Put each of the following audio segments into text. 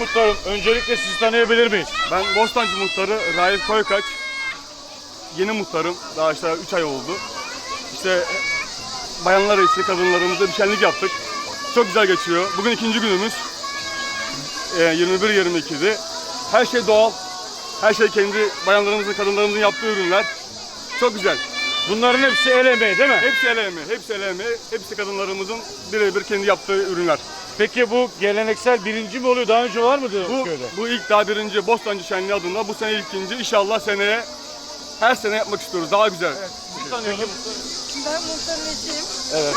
Muhtarım, öncelikle sizi tanıyabilir miyiz? Ben Bostancı Muhtarı Raif Koykaç. Yeni muhtarım. Daha işte 3 ay oldu. İşte bayanlar için, kadınlarımızla bir şenlik yaptık. Çok güzel geçiyor. Bugün ikinci günümüz. 21-22'di. Her şey doğal. Her şey kendi bayanlarımızın, kadınlarımızın yaptığı ürünler. Çok güzel. Bunların hepsi el emeği değil mi? Hepsi el emeği, hepsi el emeği. Hepsi kadınlarımızın birebir kendi yaptığı ürünler. Peki bu geleneksel birinci mi oluyor? Daha önce var mıydı köyde? Bu ilk daha birinci Bostancı Şenliği adında. Bu sene ikinci. İnşallah seneye her sene yapmak istiyoruz. Daha güzel. Evet. Sizi tanıyalım. Ben muhtarın eşiyim. Evet.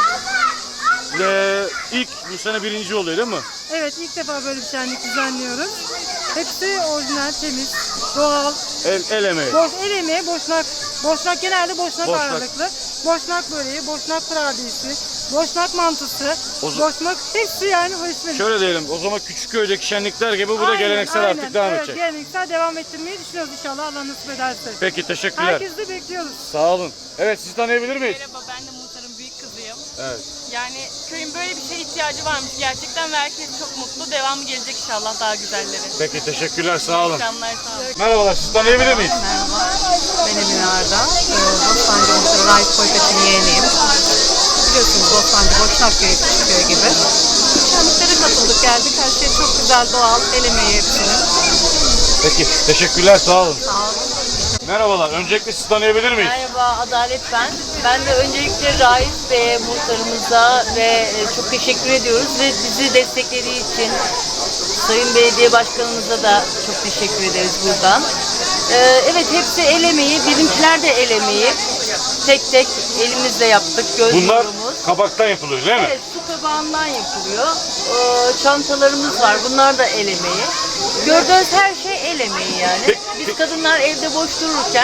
İlk bu sene birinci oluyor değil mi? Evet, ilk defa böyle bir şenlik düzenliyoruz. Hepsi orijinal, temiz, doğal. El emeği. El emeği, boşnak. Boşnak genelde boşnak Boşnak. ağırlıklı. Boşnak böreği, boşnak kurabiyesi, boşnak mantısı, O boşnak hepsi yani hoşuma. Şöyle diyelim, o zaman Küçükköy'deki şenlikler gibi bu da geleneksel artık devam evet, edecek. geleneksel devam ettirmeyi düşünüyoruz inşallah, Allah nasip ederse. Peki, teşekkürler. Herkesi de bekliyoruz. Sağ olun. Evet, sizi tanıyabilir miyiz? Merhaba, ben de muhtarın büyük kızıyım. Evet. Yani köyün böyle bir şeye ihtiyacı varmış gerçekten ve herkes çok mutlu. Devamı gelecek inşallah, daha güzelleri. Peki, teşekkürler, sağ olun. Akşamlar, sağ olun. Merhabalar, sizi tanıyabilir miyiz? Merhaba, ben Emine Arda. Bostancı Muhtarı Raif Koykaç'ın yeğeniyim. Biliyorsunuz Bostancı, Boşnakköy, Küçükköy gibi. Şenliklere katıldık, geldik. Her şey çok güzel, doğal, el emeği hepsinin. Peki, teşekkürler, sağ olun. Sağ olun. Merhabalar, öncelikle sizi tanıyabilir miyiz? Merhaba, Adalet ben. Ben de öncelikle Raif Bey'e, muhtarımıza ve çok teşekkür ediyoruz ve bizi desteklediği için Sayın Belediye Başkanımıza da çok teşekkür ederiz buradan. Evet, hepsi el emeği, bizimkiler de el emeği. Tek tek elimizle yaptık, göz Bunlar nurumuz. kabaktan yapılıyor değil mi? Evet, su kabağından yapılıyor. Çantalarımız var, bunlar da el emeği. Gördüğünüz her şey el emeği yani. Biz kadınlar evde boş dururken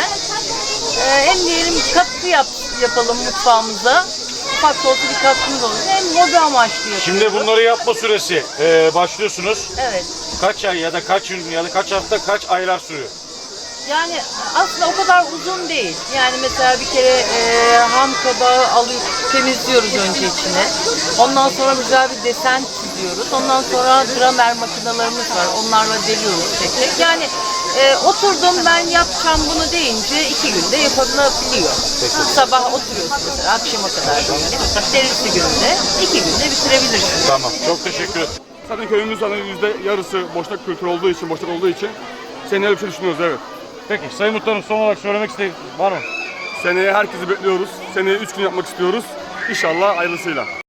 hem diyelim katkı yapalım mutfağımıza. Ufak da olsa bir katkımız olur. Hem hobi amaçlı yapıyoruz. Şimdi bunları yapma süresi başlıyorsunuz. Evet. Kaç ay ya da kaç gün ya da kaç hafta, kaç aylar sürüyor? Yani aslında o kadar uzun değil. Yani mesela bir kere ham kabağı alıyoruz, temizliyoruz önce içine. Ondan sonra güzel bir desen çiziyoruz. Ondan sonra dramer makinelerimiz var. Onlarla deliyoruz tek tek. Yani oturdum ben yapacağım bunu deyince 2 günde yapılabiliyor. Sabah oturuyorsun mesela akşama kadar diyelim. Derisi günde 2 günde bitirebilirsin. Tamam, çok teşekkür ederim. Zaten köyümüz hani %yarısı boşnak kültürü olduğu için, boşnak olduğu için seneye bir şey düşünüyoruz, evet. Peki, Sayın Muhtarım, son olarak söylemek istediğiniz var mı? Seneye herkesi bekliyoruz. Seneye 3 gün yapmak istiyoruz. İnşallah hayırlısıyla.